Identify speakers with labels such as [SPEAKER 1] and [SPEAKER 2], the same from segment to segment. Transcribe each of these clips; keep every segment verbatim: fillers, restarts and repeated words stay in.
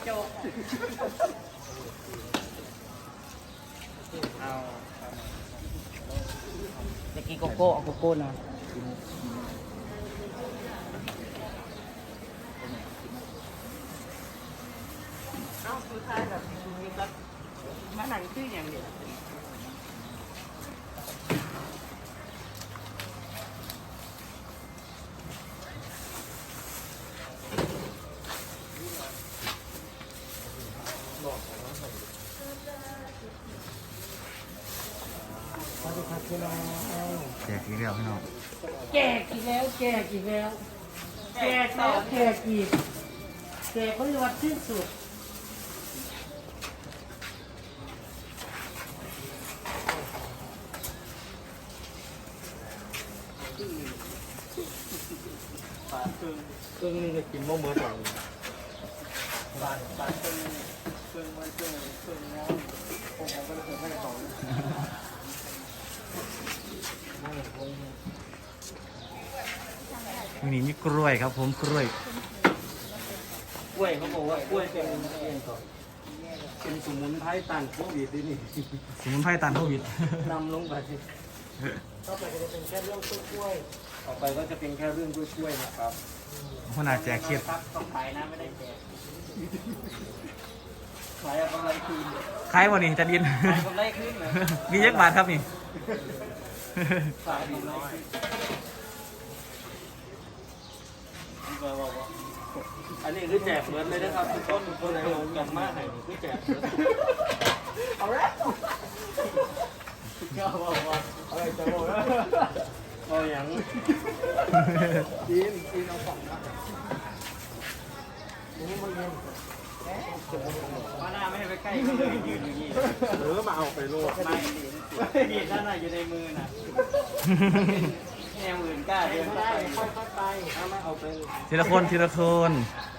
[SPEAKER 1] โจกเอาจะกินโกโก้เอาโกโก้นะเอ้าคือท้ายแบบมีก็มาหนังชื่ออย่างเดียว
[SPEAKER 2] แจกอีกแล้วพี่น้อง
[SPEAKER 1] แจกอีกแล้วแจกอีกแล้วแจกแล้วแจกอีกแจกไม่วัดสิ้นสุดปาดครึ่งครึ่งนึงจะกินโมเมอร์สองปาดปาดครึ่งครึ่งมันครึ่งครึ่งน้ำผมก็เลยเพิ่มให้สอง
[SPEAKER 2] วันนี้มีกล้วยครับผมกล้วย
[SPEAKER 3] กล้วยเขาบอกว่ากล้วยเป็นเป็นสมุนไพรต้านโควิดด้วยนี่
[SPEAKER 2] สมุนไพรต้านโควิด
[SPEAKER 3] นำลงไป
[SPEAKER 1] ต่อไปก็จะเป็นแค่เรื่องกล้วย
[SPEAKER 3] ต่อไปก็จะเป็นแค่เรื่องกล้วยๆนะครับ
[SPEAKER 2] ขนาดแจกเครียด
[SPEAKER 1] ต้องขายนะไม่ได้แจก
[SPEAKER 3] ขายอะไรคืน
[SPEAKER 2] ขายวันนี้จะดิน
[SPEAKER 1] ขายกำไรขึ้นเลย
[SPEAKER 2] มีเยอะบาทครับนี่
[SPEAKER 3] ขายดีน้อยอันนี้คือแจกเหมือนเลยนะครับทุกคนทุกคนเลยกันมากเลยคือแจกเอาละก็บอกว่าอะไรจะบอกเอาอย่างกินกินเอาสองนะนี่มันเย็น
[SPEAKER 1] มาหน้าไม่ให้ไปใกล้ก็เลยยืนอย่างนี้
[SPEAKER 3] หรือมาเอาไปโลด
[SPEAKER 1] ไม่ดีดนั่นน่ะอยู่ในมือน่ะแนวอื่นกล้าเดินได้ค่อยๆไป
[SPEAKER 3] ถ้าไม่เอาไป
[SPEAKER 2] ทีละคนทีละคน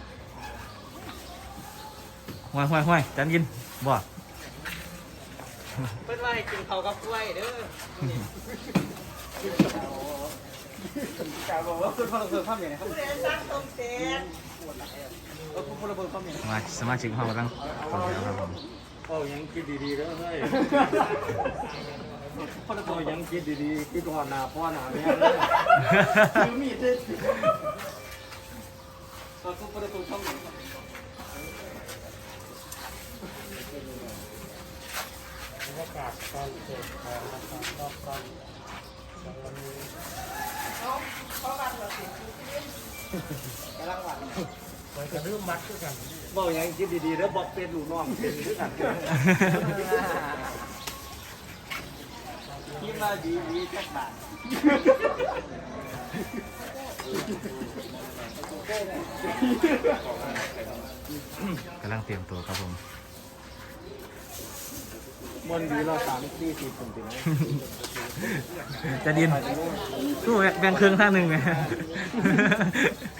[SPEAKER 2] ห้วยห้วยห้วยจันยินบ่
[SPEAKER 1] เพื่อนว่าให้กินเขากับกล้วยเด้อ
[SPEAKER 3] กาบอกว่าคุณพลเมืองข้ามอย่างไรครับ
[SPEAKER 1] เรียนสร้างตรงเต็น
[SPEAKER 3] เออคุณพลเมืองข้ามอย่าง
[SPEAKER 2] มาสมาชิกของเรากำลังคนเดียวครับผม
[SPEAKER 3] โอ้ยังคิดดีๆแล้วเฮ้ยพลเมืองยังคิดดีๆคิดก่อนหน้าพ่อหน้าแม่เลยคือมีดเด็ดก็คุณพลเมืองข้ามอย่างบรรยากาศตอนเกิดของนะครับรอบก่อนวันนี้
[SPEAKER 1] เพราะวันเราสิกำลังหวัง
[SPEAKER 3] มันจะรื้อมัดด้วยกันบอกยังคิดดีๆแล้วบอกเป็นหลูน้องเป็นด้วยกัน
[SPEAKER 1] คิดว่าดีดีแค่บาท
[SPEAKER 2] กำลังเตรียมตัวครับผม
[SPEAKER 3] มันดีเราสามสี่สี่คนถึง
[SPEAKER 2] จะดินสู้แบ่งครึ่งข้างหนึ่งไหม